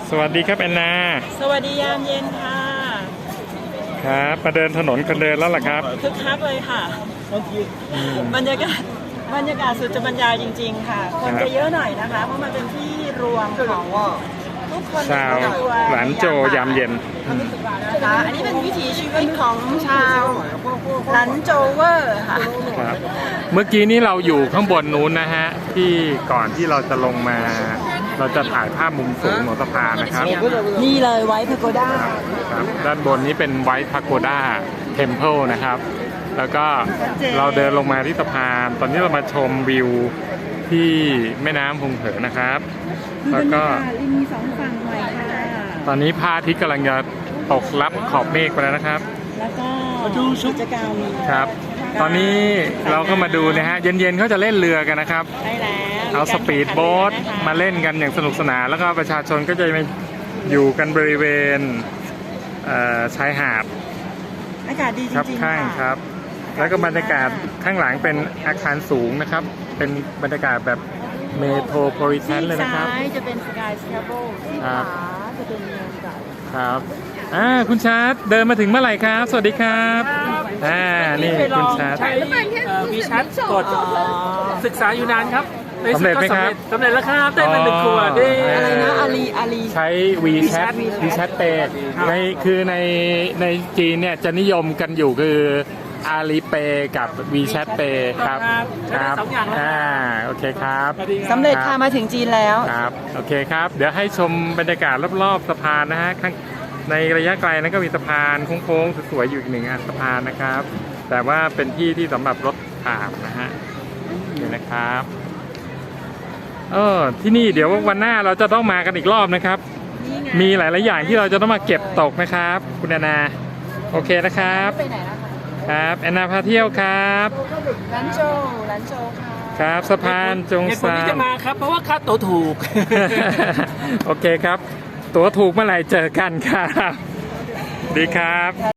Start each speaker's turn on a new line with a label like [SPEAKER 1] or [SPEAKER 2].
[SPEAKER 1] สวัสดีครับแอนนา
[SPEAKER 2] สวัสดียามเย็นค่ะ
[SPEAKER 1] ครับมาเดินถนนคนเดินแล้วล่ะครับ
[SPEAKER 2] คึกคักเลยค่ะบรรยากาศสุดจะบรรยายจริงๆค่ะคนจะเยอะหน่อยนะคะเพราะมันเป็นที่รวมของทุกคน
[SPEAKER 1] ชาวหลานโจยามเย็น
[SPEAKER 2] นะคะอันนี้เป็นวิถีชีวิตของชาวหลานโจเวอร์ค่ะ
[SPEAKER 1] ครับเมื่อกี้นี้เราอยู่ข้างบนนู้นนะฮะที่ก่อนที่เราจะลงมาเราจะถ่ายภาพมุมสูงของสะพานนะครับ
[SPEAKER 2] นี่เลยไวท์พาโกด้า
[SPEAKER 1] ครับด้านบนนี้เป็นไวท์พาโกด้าเทมเพิลนะครับแล้วก็เราเดินลงมาที่สะพานตอนนี้เรามาชมวิวที่แม่น้ำพงเหินนะครับแล้วก็
[SPEAKER 2] มีสองฝั่งหน่อยค่ะ
[SPEAKER 1] ตอนนี้พระอาทิตย์กำลังจะตกลับขอบเมฆไปแล้วนะครับ
[SPEAKER 2] แล้วก็ดูกิจกรรม
[SPEAKER 1] ครับตอนนี้เราก็มาดูนะฮะเย็นๆเขาจะเล่นเรือกันนะครับ
[SPEAKER 2] ใช่แล้ว
[SPEAKER 1] เอาสปีดโบ๊ทมาเล่นกันอย่างสนุกสนานแล้วก็ประชาชนก็จะมาอยู่กันบริเวณชายหาด
[SPEAKER 2] อากาศดีจริงๆ
[SPEAKER 1] ข้างครับแล้วก็บรรยากาศข้างหลังเป็นอาคารสูงนะครับเป็นบรรยากาศแบบเมโทรโพลิแทนเลยนะครับ
[SPEAKER 2] ซ้ายจะเป็นสกายสแครเบิลที่ขวาจะเป็นเมืองเก่า
[SPEAKER 1] ครับคุณชาร์ตเดินมาถึงเมื่อไหร่ครับสวัสดีครับนี่คุณชาร์ต
[SPEAKER 3] วีชัดกดศึกษาอยู่นานครับ
[SPEAKER 1] สำเร็จไหมครับ
[SPEAKER 3] สำเร็จแล้วครับได้มา1 ขวด
[SPEAKER 2] อะไรนะอาลี
[SPEAKER 1] ใช้ WeChat Pay ในจีนเนี่ยจะนิยมกันอยู่คืออาลีเปย์กับ WeChat Pay ครับ
[SPEAKER 3] ครับ
[SPEAKER 1] โอเคครับ
[SPEAKER 2] สำเร็จค่ะมาถึงจีนแล้ว
[SPEAKER 1] ครับโอเคครับเดี๋ยวให้ชมบรรยากาศรอบๆสะพานนะฮะในระยะไกลนั้นก็มีสะพานโค้งๆสวยๆอยู่อีก1 อันสะพานนะครับแต่ว่าเป็นที่ที่สำหรับรถผ่านนะฮะนี่นะครับที่นี่เดี๋ยววันหน้าเราจะต้องมากันอีกรอบนะครับมีหลายๆอย่างที่เราจะต้องมาเก็บตกนะครับคุณแอนนาโอเคนะครับ
[SPEAKER 2] ไปไหนล่ะ
[SPEAKER 1] ครับแอนนาพาเที่ยวครับ
[SPEAKER 2] ร้านโจค่ะ
[SPEAKER 1] ครับสะพานจงซาน
[SPEAKER 3] ที่จะมาครับเพราะว่าค่าตั๋วถูก
[SPEAKER 1] โอเคครับตั๋วถูกเมื่อไหร่เจอกันครับดีครับ